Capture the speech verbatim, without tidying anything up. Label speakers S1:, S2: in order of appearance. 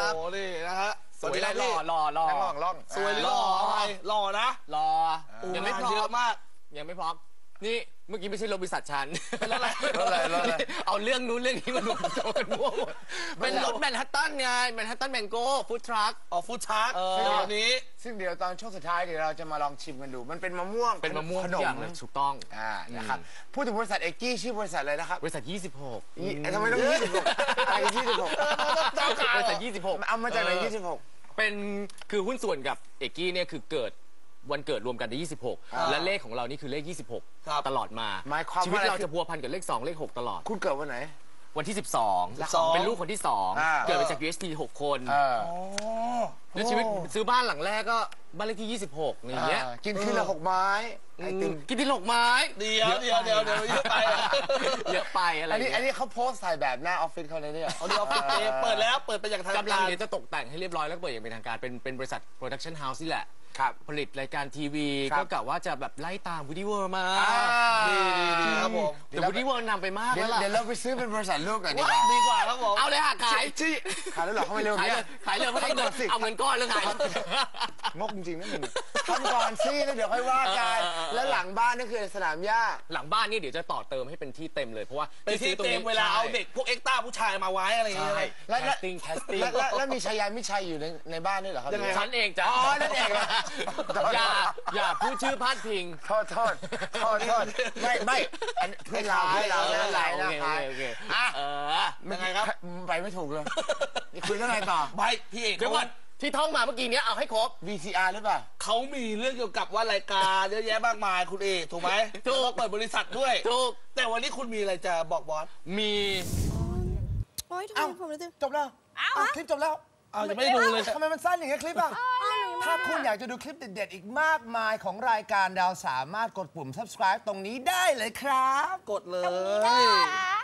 S1: ครับโอ้นี่นะฮะ
S2: สวยหล่อหล่อหล่อ
S3: ล่องล่อง
S1: สวยหล่ออะไรหล่อนะ
S2: หล่อยังไม่พร้อม
S1: เยอะมาก
S2: ยังไม่พร้อมนี่เมื่อกี้ไม่ใช่รถบริษัทฉัน
S1: แล้วอะไร
S3: แล้วอะไรแล้วอะไร
S2: เอาเรื่องนู้นเรื่องนี้มันรวมกันมั่วหมดเป็นรถแมนฮัตตันไงแมนฮัตตันแมงโก้ฟู้ดทรัค
S1: อ๋อฟู้ดทรัคเดี๋ยวนี้
S3: ซึ่งเดี๋ยวตอนช่วงสุดท้ายเดี๋ยวเราจะมาลองชิมกันดูมันเป็นมะม่วง
S2: เป็นมะม่วง
S3: ขนม
S2: ถูกต้อง
S3: อ่านะครับพูดถึงบริษัทเอกกี้ชื่อบริษัทอะไรนะครับ
S2: บริษัทยี่สิบหก
S3: ทำไมต้องยี่สิบหกอะไรยี่สิบหก
S2: บริษัทยี่สิบหก
S3: เอามาจากไหนยี่สิบหก
S2: เป็นคือหุ้นส่วนกับเอกกี้เนี่ยคือเกิดวันเกิดรวมกันในยี่สิบหกและเลขของเรานี่คือเลขยี่สิบหกตลอดมาชีวิตเราจะพัวพันกับเลขสองเลขหกตลอด
S3: คุณเกิดวันไหน
S2: วันที่สิบสองเป็นลูกคนที่สองเกิดมาจาก ยู เอส ที หกคนแล้วชีวิตซื้อบ้านหลังแรกก็บ้านเลขที่ยี่สิบหกอย่างเงี้ย
S3: กินทีละหกไม้
S2: กินทีละหกไม้
S1: เดียวเดียวเดียวเดียวเยอะไป
S2: เยอะไปอะไร
S3: อันนี้อันนี้เขาโพสต์ถ่ายแบบหน้าออฟฟิศเขาเลยเนี่ย
S1: เอาดีออฟฟิศเปิดแล้วเปิดไปอย่างทางการ
S2: กำลังเดี๋ยวจะตกแต่งให้เรียบร้อยแล้วเปิดอย่างเป็นทางการเป็นเป็นบริษัทโปรดักชั่นเฮาส์นี่แหละผลิตรายการทีวีก็กะว่าจะแบบไล่ตามวูดี้เวิร์มา
S1: ดีดีดีครับผม
S2: แต่วูดี้เวิร์นำไปมากแล้วล่ะ
S3: เดี๋ยวเราไปซื้อเป็นบริษัทลูกกันดีกว่า
S1: ดีกว่าครับผม
S2: เอาเลยค่ะขาย
S3: ที่ขายแล้วหรอเขาไม่เร็ว
S2: ขายเลยขายเลยเพราะได้เงินเอาเงินก้อนแล้วขาย
S3: งกจริงๆนะมึงทำก่อนซิแล้วเดี๋ยวค่อยว่ากันแล้วหลังบ้านนี่คือสนามหญ้า
S2: หลังบ้านนี่เดี๋ยวจะต่อเติมให้เป็นที่เต็มเลยเพราะว่า
S1: เป็นที่เต็มเวลาเอาเด็กพวกเอ็กต้าผู้ชายมาไว้อะไรอย่างเงี้ย
S3: แล้ว
S2: แคสติ้งแคสติ้ง
S3: แล้วมีชายามิชัยอยู่ในในบ้านด้วยเหรอครับ
S2: ฉันเองจ้ะ
S3: อ๋อนั่นเองเหรอ
S2: อย่าอย่าพูดชื่อพาดพิง
S3: โทษโทษโทษโทษไม่ไม่เพื่อนเราเพื่อนเราเพื่อนเรา
S2: โอเคโอเค
S3: อ่ะ
S1: เออยังไงครับ
S3: ไปไม่ถูกเลยคุยเรื่องอะไรต่อ
S1: ไปพี่เอก
S2: เดี๋ยวก่อนที่ท่องมาเมื่อกี้นี้เอาให้ครบ
S3: วี ซี อาร์ หรือเปล่า
S1: เขามีเรื่องเกี่ยวกับว่ารายการเยอะแยะมากมายคุณเอกถูกไหมถูกเปิดบริษัทด้วย
S2: ถูก
S1: แต่วันนี้คุณมีอะไรจะบอกบอส
S2: มี
S4: โอ๊ยทำไมผมรู้สึก
S3: จบแล้วคลิปจบแล้ว
S1: อ้าวยังไม่ได้ดูเลย
S3: ทำไมมันสั้นอย่างเงี้ยคลิปอ่ะถ้าคุณอยากจะดูคลิปเด็ดๆอีกมากมายของรายการเราสามารถกดปุ่ม subscribe ตรงนี้ได้เลยครับ
S1: กดเลย